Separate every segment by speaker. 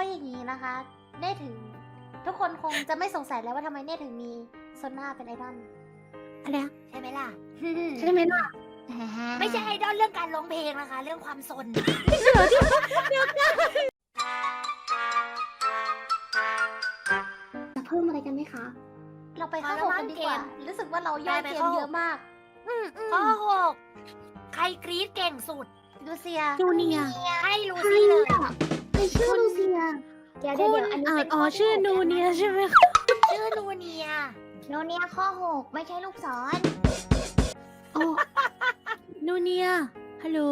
Speaker 1: ะอย่างนี้นะคะ เน่ถึงทุกคนคงจะไม่สงสัยแล้วว่าทำไมเน่ถึงมีโซน่าเป็นไอดอล
Speaker 2: อะไรนะ
Speaker 3: ใช่ไหมล่ะ
Speaker 2: ใช่ไหมล่ะ
Speaker 3: ไม่ใช่ไอดอลเรื่องการร้องเพลงนะคะ เรื่องความสน
Speaker 2: จะเพิ่มอะไรกันไหมคะ
Speaker 1: เราไปข้อหกกันดีกว่า รู้สึกว่าเราย่อยเกมเยอะมาก
Speaker 3: ข้อ6ใครกรี๊ดเก่งสุด
Speaker 1: ดูเซีย
Speaker 2: จูเนีย
Speaker 3: ให้ลูซี่เลย
Speaker 2: ใครชื่อลูเซีย เดี๋ยวอันนี้เป็น
Speaker 4: ชื่อนูเนียใช่ไหมคะ
Speaker 3: ชื่อนูเนีย
Speaker 2: โนเนียข้อ 6 ไม่ใช่ลูกศร
Speaker 4: อ๋อนูเนียฮัลโหล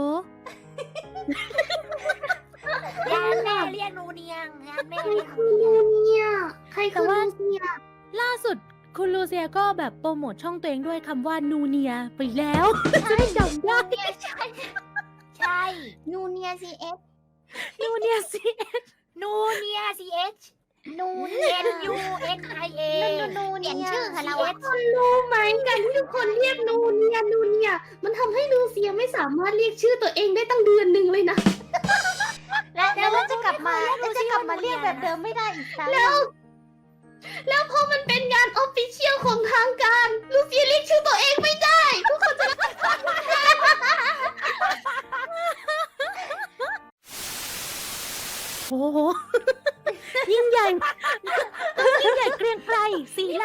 Speaker 3: ยานแม่เรียกนูเนียงยานแม่
Speaker 2: ใคร
Speaker 3: เรียก
Speaker 2: คือ
Speaker 3: นู
Speaker 2: ลู
Speaker 3: เนียง
Speaker 2: เนียใครคือลูเซีย
Speaker 4: ล่าสุดคุณลูเซียก็แบบโปรโมทช่องตัวเองด้วยคำว่านูเนียไปแล้ว จะได้จำได้
Speaker 3: ใช่
Speaker 2: นูเนีย CS
Speaker 4: นูเนียสิ
Speaker 3: นูเนีย CH
Speaker 2: นู
Speaker 3: N U N I A
Speaker 1: นู
Speaker 2: เปลี่ยน
Speaker 1: เนี่ย
Speaker 2: ชื่อค่ะเราอะ
Speaker 3: CH
Speaker 2: คนรู้ไหมกันที่ทุกคนเรียกนูเนีย มันทำให้ลูเซียไม่สามารถเรียกชื่อตัวเองได้ตั้งเดือนหนึ่งเลยนะ
Speaker 1: แล้วเราจะกลับมาเรียกแบบเดิมไม่ได้อีกครั้ง
Speaker 2: แล้วพอมันเป็นงานออฟฟิเชียลของทางการลูเซียเรียกชื่อตัวเองไม่ได้ทุกคนจะ
Speaker 4: โอ้โห ยิ่งใหญ่ยิ่งใหญ่เกรียงไกรสีเหล่า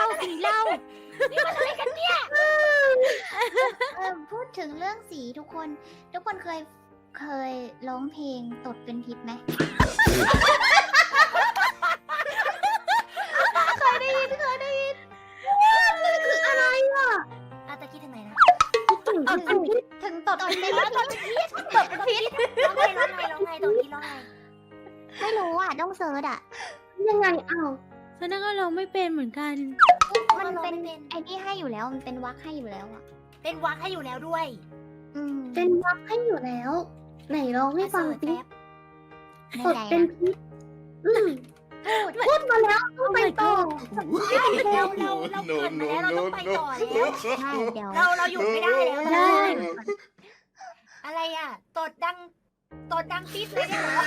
Speaker 2: พูดถึงเรื่องสีทุกคนเคยร้องเพลงตดเป็นพิษไหม
Speaker 1: เคยได้ยิน
Speaker 2: คืออะไรอ่ะ
Speaker 3: อาตะกี้ถึงไหนนะ
Speaker 1: ถึงตดเป็นพิษตดเป็นพิษ
Speaker 3: ร้องไงตรงนี้ร้องไง
Speaker 2: ไม่รู้อ่ะต้องเซิร์ชอ่ะ ยังไงอ้าว
Speaker 4: ฉันก็ร้องไม่เป็นเหมือนกัน
Speaker 2: มันเป็นไอ้นี่ให้อยู่แล้วมันเป็นวักให้อยู่แล้วอ่ะ
Speaker 3: เป็นวักให้อยู่แล้วด้วย
Speaker 2: เป็นวักให้อยู่แล้ว ไหนร้องให้ฟังสิ
Speaker 3: แป๊บ
Speaker 2: ตดเป็นพิษพูดมาแล้วต้องไปต่อ
Speaker 3: เราเกิดมาแล้วเราต้องไปต่อแล้ว
Speaker 2: ใช่เดี๋ยว
Speaker 3: เราหยุดไม่ได้แล้ว
Speaker 4: ได้
Speaker 3: อะไรอ่ะตดดังปิ๊ดเลยเนี่ยเหรอ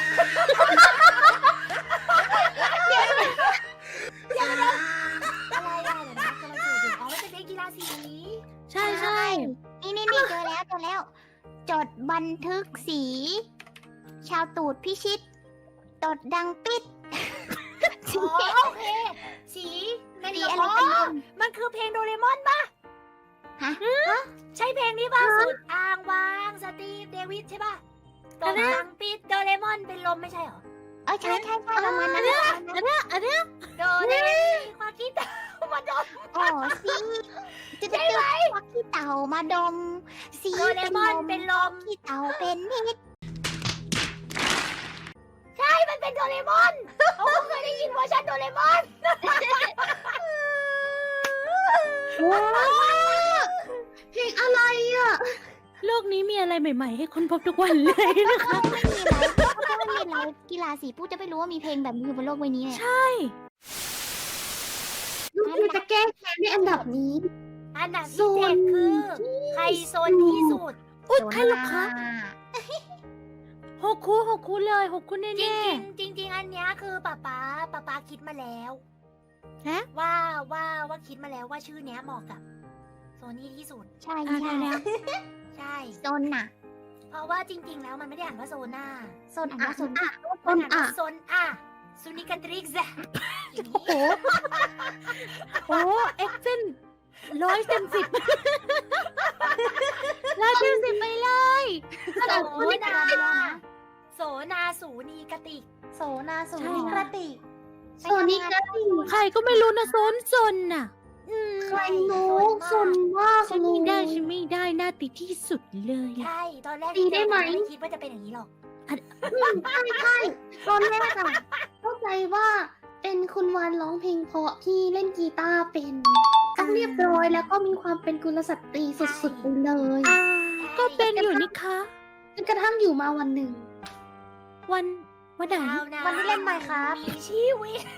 Speaker 3: อะไรอ่ะเดี๋ยวนะกำลังเกิดอยู่อ๋อมันเป็นเพลงกีฬาสี
Speaker 4: ใช่
Speaker 2: นี่เจอแล้ว จดบันทึกสี ชาวตูดพิชิต ตดดังปิด
Speaker 3: อ๋อโอเคสีเป็น
Speaker 2: สี
Speaker 3: อะ
Speaker 2: อะไร ไร
Speaker 3: กั
Speaker 2: กัน น
Speaker 3: มันคือเพลงโดเรมอนป่ะ
Speaker 2: ฮะ
Speaker 3: ใช่เพลงนี้ป่ะสุดอ่างวางสตีฟเดวิดใช่ป่ะตดดังปิดโดเรมอนเป็นลมไม่ใช่เหรอ
Speaker 2: ใช่ประมาณนั้น
Speaker 4: อันเนี้ย
Speaker 3: โดเรมีความคิดมาดม
Speaker 2: อ๋อสีจะได้ไหมวักขี้เต่ามาดม สี
Speaker 3: โดเรมอนเป็นลม
Speaker 2: ขี้เต่าเป็นพิษ
Speaker 3: ใช่มันเป็นโดเรมอนเขาเคยได้ยินเวอร์ชันโดเรมอน
Speaker 2: ว้าวเพลงอะไรอ่ะ
Speaker 4: โลกนี้มีอะไรใหม่ ๆ ให้คนพบทุกวันเลยนะคะ
Speaker 2: ไม่มีอะไรถ้าไม่มีอะไรกีฬาสีผู้จะไม่รู้ว่ามีเพลงแบบนี้อยู่บนโลกใบนี้เนี่ย
Speaker 4: ใช่
Speaker 2: ลูกคือจะแก้แค้นในอันดับนี้
Speaker 3: อันดับที่เจ็ดคือใครโซนที่สุด
Speaker 4: อุ๊ยใครหรอคะหกคู่เลยหกคู่แน่
Speaker 3: จริงๆอันเนี้ยคือป๊าป๊าคิดมาแล้ว
Speaker 4: ฮะ
Speaker 3: ว่าคิดมาแล้วว่าชื่อเนี้ยเหมาะกับโซนี่ที่สุด
Speaker 2: ใช่
Speaker 4: ๆ
Speaker 2: ใช่
Speaker 4: แล้ว
Speaker 3: ใช่
Speaker 2: โซนน่ะ
Speaker 3: เพราะว่าจริง ๆ แล้วมันไม่ได้อ่านว่าโซน่า
Speaker 2: โซนอ่ะ
Speaker 3: มันอ่านว่าโซนอ่ะซูนิกันทริกซ์อย่างนี้
Speaker 4: โอ้เอ็กเซน100 เต็ม 10100 เต็ม 10ไปเลย
Speaker 3: โสนาสูนีกติก
Speaker 1: โซนาสูนิกระติก
Speaker 2: โซนิกา
Speaker 4: ใครก็ไม่รู้นะซนน่ะ
Speaker 2: ใครรู้โซนมาก
Speaker 4: ฉันไม่ได้หน้าติดที่สุดเลย
Speaker 3: ใช่ตอนแรก
Speaker 2: ตีได้ไหม
Speaker 3: ไม่คิดว่าจะเป็นอย่างนี้หรอก
Speaker 2: ใช่ตอนแรกอะเข้าใจว่าเป็นคุณวานร้องเพลงเพราะที่เล่นกีตาร์เป็นต้องเรียบร้อยแล้วก็มีความเป็นกุลสตรีสุดๆไปเลย
Speaker 4: ก็เป็นอยู่นี่คะ
Speaker 2: จนกระทั่งอยู่มาวันหนึ่ง
Speaker 4: วันไหน
Speaker 1: วันที่เล่น Minecraft
Speaker 3: มีชีวิต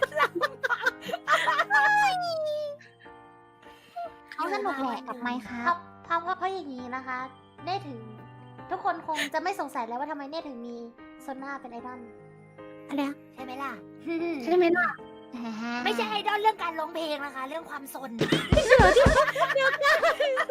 Speaker 2: เขาสนุกแหละกับไมค์ครับ
Speaker 1: เพราะอย่างนี้นะคะ เน่ถึงทุกคนคงจะไม่สงสัยแล้วว่าทำไมเน่ถึงมีโซน่าเป็นไอดอล
Speaker 4: อะไรนะ
Speaker 3: ใช่ไหมล่ะ
Speaker 2: ใช่ไหมล่ะ
Speaker 3: ไม่ใช่ไอดอลเรื่องการร้องเพลงนะคะ เรื่องความสน